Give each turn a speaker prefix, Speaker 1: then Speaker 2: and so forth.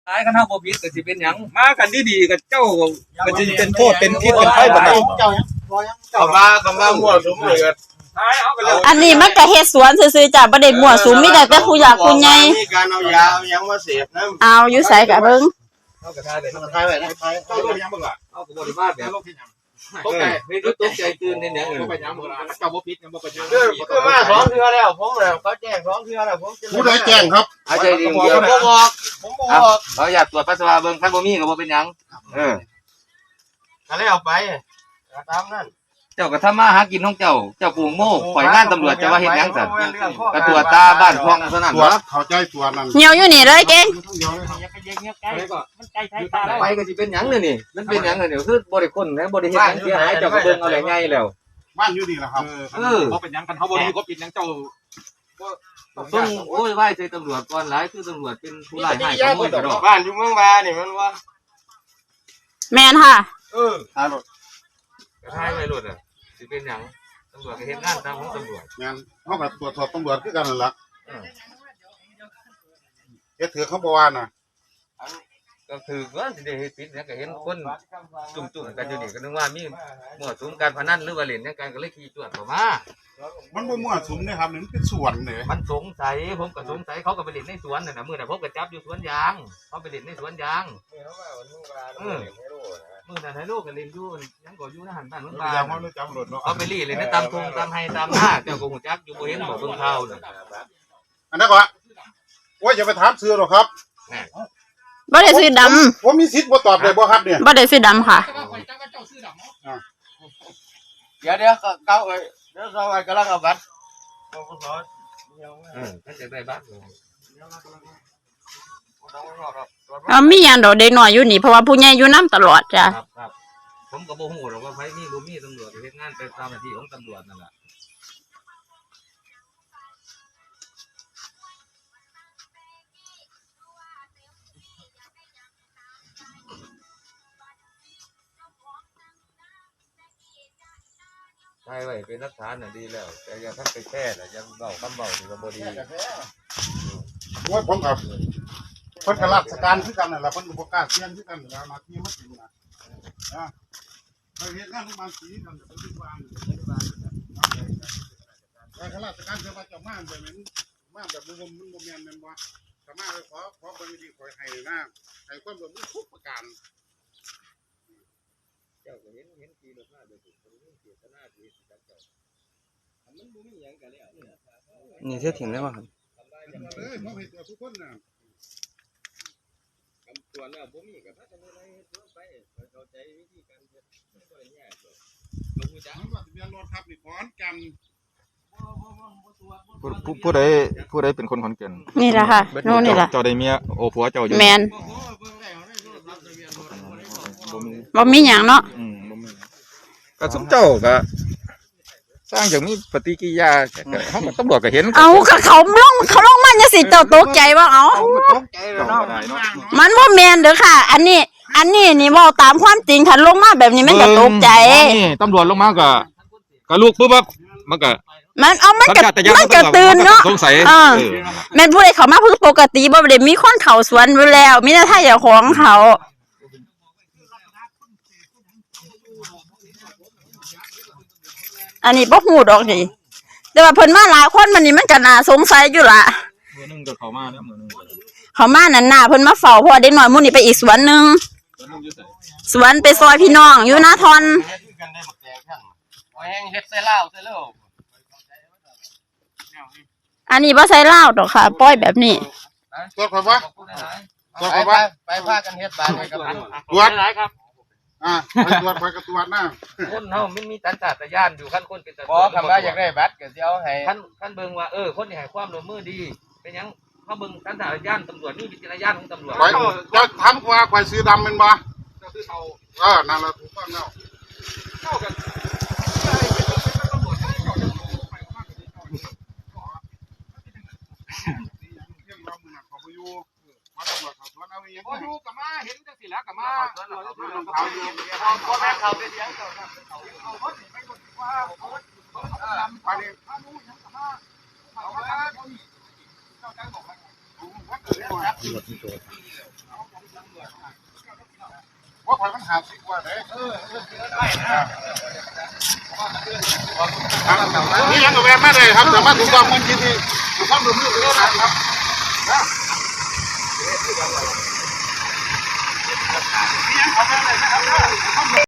Speaker 1: ตายกันเท่าบ่ผิดก็สิเป็นหยังมากันดีๆกับเจ้าก็สิเป็นโทษเป็นพิษเป็นไข้บ่ได้เขามามั่วสุมเลย
Speaker 2: อันนี้มันก็เฮ็ดสวนซื่อๆจ้ะบ่ได้มั่วสุมมีแต่ผู้อยากผู้ใหญ่
Speaker 3: มีการเอายาเอาหยังมาเสพนำ
Speaker 2: เอาอยู่ไสก็เบิ่ง
Speaker 1: เฮาก็ทายไว้เฮาก็ยังบ่ล่ะเฮาก็บ่ได้มาแบบตกใจไม่รู้ตกใจตื่นในหยังบ่ไปหยังบ่ล่ะเจ้าบ่ผิดยังบ่ไปหยัง
Speaker 3: คือมา2เทื่อแล้วผมแล้วเขาแจ้ง2เทื่อแล้วผม
Speaker 4: ผู้ใดแจ้งครับ
Speaker 1: อาใจดีเดียว
Speaker 3: ผมบอก
Speaker 1: เขาอยากตรวจปัสสาวะเบิ่งคันบ่มีก็บ่เป็นหยัง
Speaker 3: ก็เลยเอาไปตามนั้น
Speaker 1: เจ้าก็ทำมาหากินของเจ้าปลูกโม่ข่อยงานตำรวจจะว่าเฮ็ดหยังซั่นก็ตรวจตาบ้านคลองเท่านั้นบ่
Speaker 4: เข้าใจตัวนั้น
Speaker 2: เหี่ยวอยู่นี่เลยเก่ง
Speaker 1: ไปก็สิเป็นหยังนี่มันเป็นหยังนี่คือบ่ได้คนนะบ่ได้เฮ็ดหยังเสียหายเจ้าก็เบิ่งเอาแหละใหญ่แล้ว
Speaker 4: บ้านอยู่นี่แหละครับ
Speaker 1: บ่เป็นหยังกันเฮาบ่รู้ก็ผิดหยังเจ้าต้องโอ้ยไหว้ใจตำรวจก่อนหลายคือตำรวจเป็นผู้ร้ายให้ขโมยกระดอก
Speaker 3: บ้านอยู่เมืองบานี่มันว่า
Speaker 2: แม่นค่ะ
Speaker 1: ทายรถทายไปรถสิเป็นหยังตำรวจก็เฮ็ดงานตามของตำรวจ
Speaker 4: งั้นเฮาก็ตรวจสอบตำรวจคือกันนั่นล่ะเฮ็ดถือเขาบ่ว่าน่ะ
Speaker 1: ก็คือว่าสิได้เฮ็ดผิดเนี่ยก็เห็นคนจุ่มๆกันอยู่นี่ก็นึกว่ามีมั่วสุมการพนันหรือว่าเล่นกันก็เลยขี่จวดเข้ามา
Speaker 4: มันบ่มั่วสุมนะครับนี่มันเป็นสวนเด้
Speaker 1: มันสงสัยผมก็สงสัยเขาก็ไปเล่นในสวนนั่นน่ะมื้อน่ะผมก็จับอยู่สวนยางเขาไปเล่นในสวนยางมื้อนั้นให้ลูกก็เล่นอยู่ยังก็อยู่ในหันบ้านเมืองบ้านเขาไปลี่เล่นในตามทุ่งตามไร่ตามนาเจ้าก็ฮู้จักอยู่บ่เห็นบ่เบิ่งข่าวน่ะ
Speaker 4: อันนั้นก็ว่าอย่าไปถามชื่อหรอกครับ
Speaker 2: บ่ได้ซื้อดำ
Speaker 4: ผมมีสิทธิ์บ่ตอบได้บ่ครับเนี่ย
Speaker 2: บ่ได้ซื้อดำค่ะ
Speaker 3: เดี๋ยวเก้าเอ้ยเดี๋ยวเรากำลังเอาบัตร
Speaker 1: ท่านจะได้บัตร
Speaker 2: มีหยังดอกเด็กน้อยอยู่นี่เพราะว่าผู้ใหญ่อยู่นำตลอดจ้ะ
Speaker 1: ครับผมก็บ่ฮู้หรอกว่าไผมีบ่มีตำรวจเฮ็ดงานไปตามหน้าที่ของตำรวจนั่นแหละใช่ไว้เป็นหลักฐานน่ะดีแล้วแต่อย่าทักไปแช่ล่ะยังเว้าคำเว้านี่ก็บ่ดี
Speaker 4: โอ้ยผมกับเพิ่นก็ราชการคือกันนั่นล่ะเพิ่นบ่กล้าเสี่ยงคือกันแล้วมาที่มันสิน่ะไปเฮ็ดงานที่บ้านสีกันเพิ่นสิว่าข้าราชการเพิ่นว่าเจ้ามาแบบนั้นมาแบบบ่มันบ่แม่นแม่นบ่ถ้ามาขอเบิ่งดีขอให้นะให้ความร่วมมือทุกประการ
Speaker 1: เจ้าก็เห็นขี่รถมาโดยถูกคนเจตนาที่จับเจ้ามันบ่มีหยังกันแล้วนี่เสียถิ่นได้บ่ครับ
Speaker 4: ผมเห็นตัวทุกคนน่ะ
Speaker 1: คำตัวแล้วบ่มีก็ถ้าจะมีอะไรไปเข้าใจวิธีการเฮ็ดบ่ได้ยากหรอกบ่ฮู้จัก
Speaker 4: ว่าทะเบียนรถครับนี่ขอนแก่น
Speaker 5: ผู้ใดเป็นคนขอนแก่น
Speaker 2: นี่ล่ะค่ะโน่นนี่ล่ะ
Speaker 5: เจ้าได้เมียโอผัวเจ้าอยู่
Speaker 2: แม่นบ่มีหยังเนาะ
Speaker 5: ก็สมเจ้าก็สร้างอย่างมีปฏิกิริยาเฮาก็ตำรวจก็เห็น
Speaker 2: เอาก็เขาลงมาจังซี่เจ้าตกใจบ่เอามันบ่แม่นเด้อค่ะอันนี้นี่เว้าตามความจริงคันลงมาแบบนี้มันก็ตกใจ
Speaker 5: นี่ตำรวจลงมาก็ลูกปึ๊บมันก็
Speaker 2: มันก็ตื่นเนาะ
Speaker 5: สงสัย
Speaker 2: แม่นผู้ใดเข้ามาเพิ่งปกติบ่ได้มีคนเข้าสวนอยู่แล้วมีแต่ถ้าเจ้าของเขาอันนี้บ่ฮู้ดอกนี่แต่ว่าเพิ่นมาหลายคนมันนี่มันก็น่าสงสัยอยู่ล่ะ
Speaker 5: มื้อนึงก็เข้ามาแล้วมื้อนึง
Speaker 2: เข้ามานั่นน่ะเพิ่นมาเฝ้าเพราะเด็กน้อยมื้อนี้ไปอีกสวนนึงสวนไปซอยพี่น้องอยู่นาทอนอันนี้บ่ใส่ลาวดอกค่ะปล่อยแบบนี้
Speaker 4: ตรวจครับว่า
Speaker 3: ไปพากันเฮ็ดบ้านให้กับ
Speaker 4: ตรวจหลายครับไปตรวจกระตรวจนะ
Speaker 1: คนเฮามันมีสัญชาตญาณอยู่คันคนเป็นตำรวจ
Speaker 3: บ่คำว่าอยากได้บัตรก็สิเอาให้
Speaker 1: คันเบิ่งว่าคนนี่ให้ความร่วมมือดีเป็นหยังเฮาเบิ่งสัญชาตญาณตำรวจมีวิจารณญาณของตำรวจ
Speaker 4: จะทำว่าข่อยซื้อดำแม่นบ่เจ้าซื้อเทานั่นล่ะถูกต้องแล้วเจ้ากัน
Speaker 1: บ่อยู่กับมาเห็นจังซี่แล้วกับมาพ่อแม่เขาได้เลี้ยงเอารถไปกดว่าไปเลยถ้ารู้ยังกับมาเอาว่าเจ้าจังบอกว่า
Speaker 4: คอยมัน50กว่าเด้นี่ยังกับแวะมาได้ครับแต่มาถูกต้องมันยินดีถูกต้องดูมือไปแล้วนะครับ